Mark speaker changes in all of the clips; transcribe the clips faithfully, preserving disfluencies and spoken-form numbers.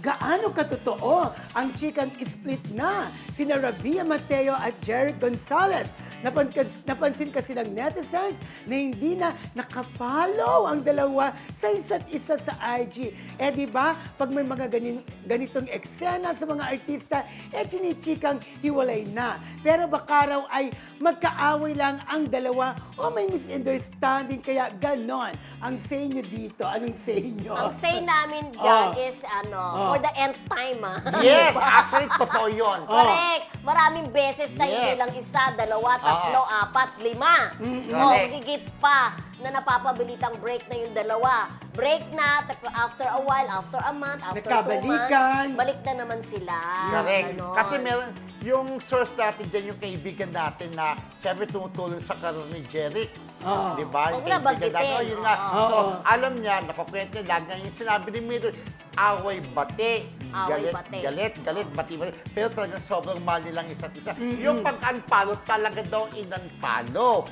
Speaker 1: gaano katotoo ang chikang split na sina Rabia Mateo at Jeric Gonzalez. Napansin, napansin kasi ng netizens na hindi na nakafollow ang dalawa sa isa't isa sa I G. Eh di ba, pag may mga ganin, ganitong eksena sa mga artista, eh chinichikang hiwalay na. Pero baka raw ay magkaaway lang ang dalawa o may misunderstanding kaya ganon. Ang say nyo dito, anong say nyo?
Speaker 2: Ang say namin dyan
Speaker 1: Oh.
Speaker 2: is ano,
Speaker 1: Oh.
Speaker 2: for the end time ah.
Speaker 3: Yes, actually, totoo yun.
Speaker 2: Correct. Maraming beses na hindi
Speaker 3: Yes.
Speaker 2: lang isa, dalawa, tatlo, apat, lima. O,
Speaker 3: Correct.
Speaker 2: higit pa na napapabilitang break na yung dalawa. Break na, tap- after a while, after a month, after two
Speaker 1: Nagkabalikan.
Speaker 2: months, balik na naman sila.
Speaker 3: Correct.
Speaker 2: Ganon.
Speaker 3: Kasi meron, yung source natin dyan, yung kaibigan natin na siyempre tumutulong sa karoon ni Jeric.
Speaker 1: Oo.
Speaker 3: Di ba? Yung
Speaker 2: Huwag na
Speaker 3: kaibigan
Speaker 2: banggitin.
Speaker 3: natin. Oh, yun nga.
Speaker 1: Oo.
Speaker 3: So,
Speaker 1: Oo.
Speaker 3: alam niya, nakukwento niya, lagi nga yung sinabi ni Mildred, away bate.
Speaker 2: Away
Speaker 3: galit,
Speaker 2: bate.
Speaker 3: galit, galit, bati, bati. Pero talagang sobrang mahal nilang isa't isa. Yung pag-unfollow, talaga daw in-unfollow.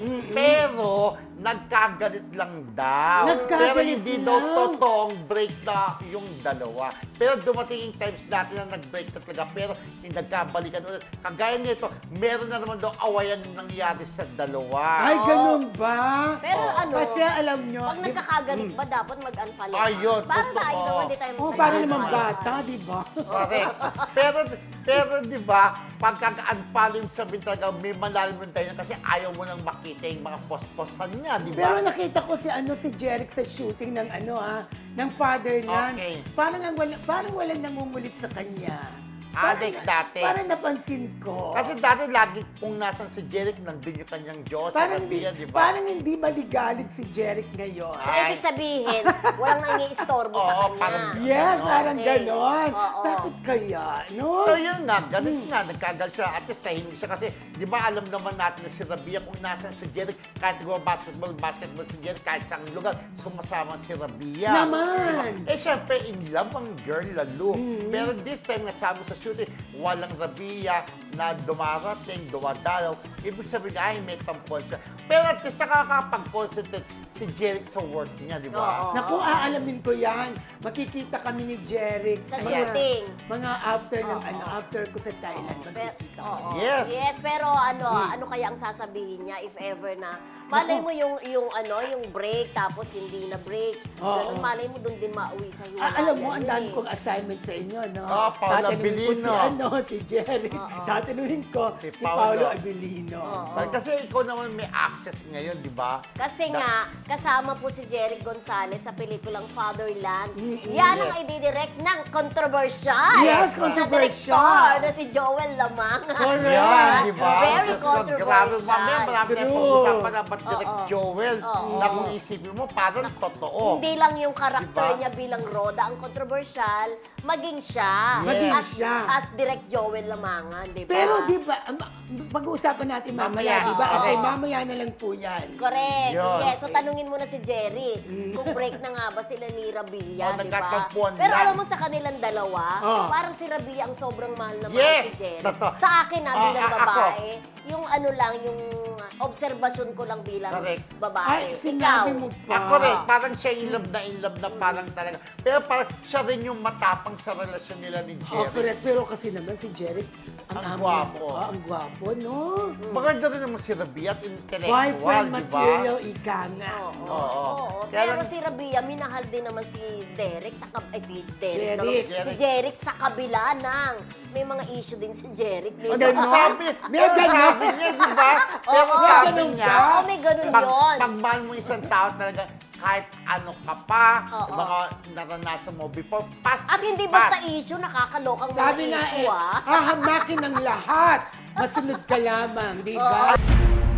Speaker 3: Pero, nagkagalit lang daw.
Speaker 1: Nagkagalit
Speaker 3: Pero hindi daw
Speaker 1: lang.
Speaker 3: totoong break na yung dalawa. Pero dumating yung times natin na nag-break na talaga. Pero yung nagkabalikan ulit. Kagaya nito, meron na naman daw awayan nangyari sa dalawa.
Speaker 1: Ay, ganun ba?
Speaker 2: Pero
Speaker 3: Oo.
Speaker 2: ano,
Speaker 1: Kasi alam nyo,
Speaker 2: pag
Speaker 1: di-
Speaker 2: nagkakagalit ba, dapat mag-unfollow ka?
Speaker 3: Ayun,
Speaker 2: Para
Speaker 3: totoo.
Speaker 2: tayo naman, di tayo
Speaker 1: Oh,
Speaker 2: mag-
Speaker 1: para
Speaker 3: Ayun,
Speaker 1: naman
Speaker 3: ayun.
Speaker 1: bata, di ba?
Speaker 3: Correct. Pero, pero di ba, pagka-unfollow sa talaga, may malalim rin tayo kasi ayaw mo nang makita yung mga posposan niya, di
Speaker 1: Pero
Speaker 3: ba?
Speaker 1: nakita ko si ano si Jeric sa shooting ng ano ha, ng Fatherland.
Speaker 3: Okay.
Speaker 1: Parang ang wala, parang wala namumulit sa kanya.
Speaker 3: Ah,
Speaker 1: Parang
Speaker 3: like
Speaker 1: na-
Speaker 3: dati.
Speaker 1: Parang napansin ko.
Speaker 3: Kasi dati lagi kung nasan si Jeric, nandun yung kanyang Diyos, sa
Speaker 1: parang hindi,
Speaker 3: Rabia, di ba?
Speaker 1: parang hindi maligalig si Jeric ngayon.
Speaker 2: So, ibig sabihin, walang nangiistorbo sa
Speaker 3: Oo,
Speaker 2: kanya.
Speaker 3: parang
Speaker 1: Yes,
Speaker 3: Ganon.
Speaker 1: parang
Speaker 2: Okay.
Speaker 1: ganon.
Speaker 2: Oo.
Speaker 1: Bakit kaya, no?
Speaker 3: So yun nga, ganun
Speaker 1: Hmm.
Speaker 3: nga, nagkagal siya. At least tahimik siya kasi, di ba alam naman natin na si Rabia kung nasan si Jeric, kahit di ba basketball, basketball si Jeric, kahit saan lugar, sumasama si Rabia.
Speaker 1: Naman!
Speaker 3: Diba? Eh syempre, in love ang girl lalo.
Speaker 1: Hmm.
Speaker 3: Pero this time, nasama sa shooting, walang Rabia na dumarating, dumadalaw. Ibig sabihin, ay, may tampon siya. Pero at least nakakapag-concentrate si Jeric sa work niya, di ba?
Speaker 2: Oo.
Speaker 1: Naku, aalamin ko yan. Makikita kami ni Jeric.
Speaker 2: Sa
Speaker 1: mga-
Speaker 2: shooting.
Speaker 1: Mga after ng
Speaker 2: Oo.
Speaker 1: ano, after ko sa Thailand,
Speaker 2: Pero,
Speaker 1: makikita ko.
Speaker 2: oo.
Speaker 3: Yes.
Speaker 2: Yes, pero ano,
Speaker 1: Hmm.
Speaker 2: ano kaya ang sasabihin niya if ever na malay mo yung yung ano, yung break tapos hindi na break.
Speaker 1: Oo.
Speaker 2: Ganun, malay mo doon din mauwi sa hiwalay.
Speaker 1: Ah, alam mo, ang
Speaker 2: Yun
Speaker 1: dami
Speaker 2: eh.
Speaker 1: kong assignment sa inyo, no?
Speaker 3: Ah, Paolo
Speaker 1: Tatanungin ko si,
Speaker 3: Abilino.
Speaker 1: ano, si Jerry.
Speaker 2: Oo.
Speaker 1: Tatanungin ko si,
Speaker 3: Si
Speaker 1: Paolo
Speaker 3: Paolo.
Speaker 1: Abilino.
Speaker 2: Oo.
Speaker 3: Kasi ikaw naman may access ngayon, di ba?
Speaker 2: Kasi
Speaker 3: Na-
Speaker 2: nga, kasama po si Jeric Gonzalez sa pelikulang Fatherland.
Speaker 1: Mm-mm.
Speaker 2: Yan ang
Speaker 3: Yes.
Speaker 2: ididirect ng controversial.
Speaker 1: Yes,
Speaker 2: Na
Speaker 1: controversial.
Speaker 2: director na si Joel Lamang.
Speaker 1: Correct.
Speaker 3: Yan, di ba?
Speaker 2: Very
Speaker 3: Diyos ko, grabe.
Speaker 2: controversial.
Speaker 3: Mamaya marami tayong
Speaker 1: True.
Speaker 3: pag-usapan na ba't direct
Speaker 2: Oo.
Speaker 3: Joel
Speaker 2: Oo.
Speaker 3: na kung isipin mo, parang totoo.
Speaker 2: Hindi lang yung karakter
Speaker 3: Diba?
Speaker 2: niya bilang Roda ang controversial, maging siya.
Speaker 1: Maging
Speaker 2: as,
Speaker 1: siya.
Speaker 2: As direct Joel Lamangan, di ba?
Speaker 1: Pero di ba, ma- pag-uusapan natin mamaya,
Speaker 3: Mamaya,
Speaker 1: di ba?
Speaker 2: oo.
Speaker 1: Okay, mamaya na lang po yan.
Speaker 2: Correct.
Speaker 3: Yun.
Speaker 2: Yes. So, tanungin mo na si Jerry
Speaker 1: Mm.
Speaker 2: kung break na nga ba sila ni Rabia,
Speaker 3: Oh,
Speaker 2: di ba?
Speaker 3: nagkatampuan
Speaker 2: Pero
Speaker 3: lang.
Speaker 2: alam mo sa kanilang dalawa,
Speaker 1: Oh.
Speaker 2: parang si Rabia ang sobrang mahal na mahal
Speaker 3: Yes,
Speaker 2: si Jerry.
Speaker 3: totoo.
Speaker 2: Sa akin na
Speaker 3: Ah,
Speaker 2: bilang
Speaker 3: a- ako.
Speaker 2: babae, yung ano lang, yung obserbasyon ko lang bilang
Speaker 3: Correct.
Speaker 2: babae.
Speaker 1: Ay,
Speaker 2: Ikaw.
Speaker 1: sinabi mo pa.
Speaker 3: Ako rin, parang siya in love na in love na parang talaga. Pero parang siya rin yung matapang sa relasyon nila ni
Speaker 1: Oh,
Speaker 3: Jerry.
Speaker 1: correct. Pero kasi naman si Jeric, ang,
Speaker 3: Ang
Speaker 1: amo ng
Speaker 3: gwapo.
Speaker 1: mukha, ang gwapo, no?
Speaker 3: Maganda rin naman si Rabia at intellectual,
Speaker 1: Boyfriend
Speaker 3: di ba?
Speaker 1: material, ika nga.
Speaker 2: Oo.
Speaker 3: Oo.
Speaker 2: Oo.
Speaker 3: Kaya
Speaker 2: Pero
Speaker 3: lang-
Speaker 2: si Rabia, minahal din naman si Derek sa kab- ay, si Derek.
Speaker 1: Jeric.
Speaker 2: Si Jeric sa kabila ng may mga issue din si Jeric. Di
Speaker 3: Ano,
Speaker 2: ba?
Speaker 1: Ganon?
Speaker 3: sabi,
Speaker 1: May
Speaker 3: pero
Speaker 1: ganon?
Speaker 3: sabi niya, di ba? Pero
Speaker 2: Oo,
Speaker 3: sabi
Speaker 1: ganon
Speaker 3: niya,
Speaker 1: ba?
Speaker 2: Oo, may ganon
Speaker 3: pag,
Speaker 2: yun.
Speaker 3: pag mahal mo isang tao talaga, kahit ano ka pa,
Speaker 2: Oo.
Speaker 3: mga naranasan mo before, pass
Speaker 2: At
Speaker 3: is
Speaker 2: hindi
Speaker 3: pass.
Speaker 2: basta issue, nakakalokang mga
Speaker 1: Sabi na
Speaker 2: issue,
Speaker 1: eh,
Speaker 2: ah.
Speaker 1: hahamakin ng lahat. Masunod ka lamang, di ba?
Speaker 2: Oo.